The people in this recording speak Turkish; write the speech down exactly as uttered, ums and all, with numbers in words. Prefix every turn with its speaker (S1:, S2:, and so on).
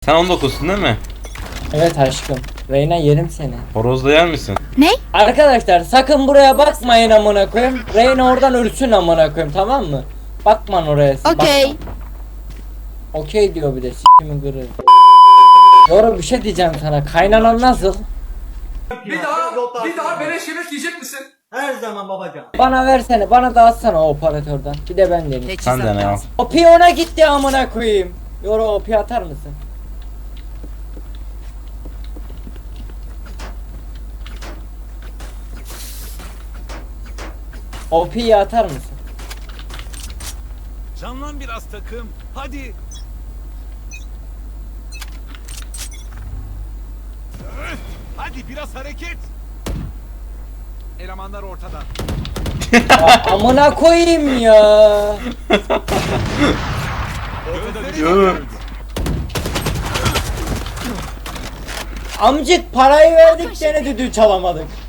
S1: Sen on dokuzsun değil mi?
S2: Evet aşkım. Reyna yerim seni.
S1: Horozda yer misin?
S3: Ne?
S2: Arkadaşlar sakın buraya bakmayın amına koyayım. Reyna oradan ölsün amına koyayım, tamam mı? Bakman oraya.
S3: Okey.
S2: bakma. Okey diyor bir de s***mi gırır. Doğru bir şey diyeceğim sana. Kaynanan nasıl?
S4: Bir daha, bir daha beleş yemek yiyecek misin?
S5: Her zaman babacan.
S2: Bana versene. Bana dağıtsana o operatörden. Bir de ben deneyim.
S1: Sen de ne al.
S2: O piyona gitti amına koyayım. Yoro o piy atar mısın? O piyi atar mısın?
S6: Canlan biraz takım. Hadi. Öf! Hadi biraz hareket. Elemanlar ortada.
S2: Ya, amına koyayım ya.
S6: Gözleri
S1: Yo.
S6: görüldü.
S2: Amcık parayı verdik gene düdüğü çalamadık.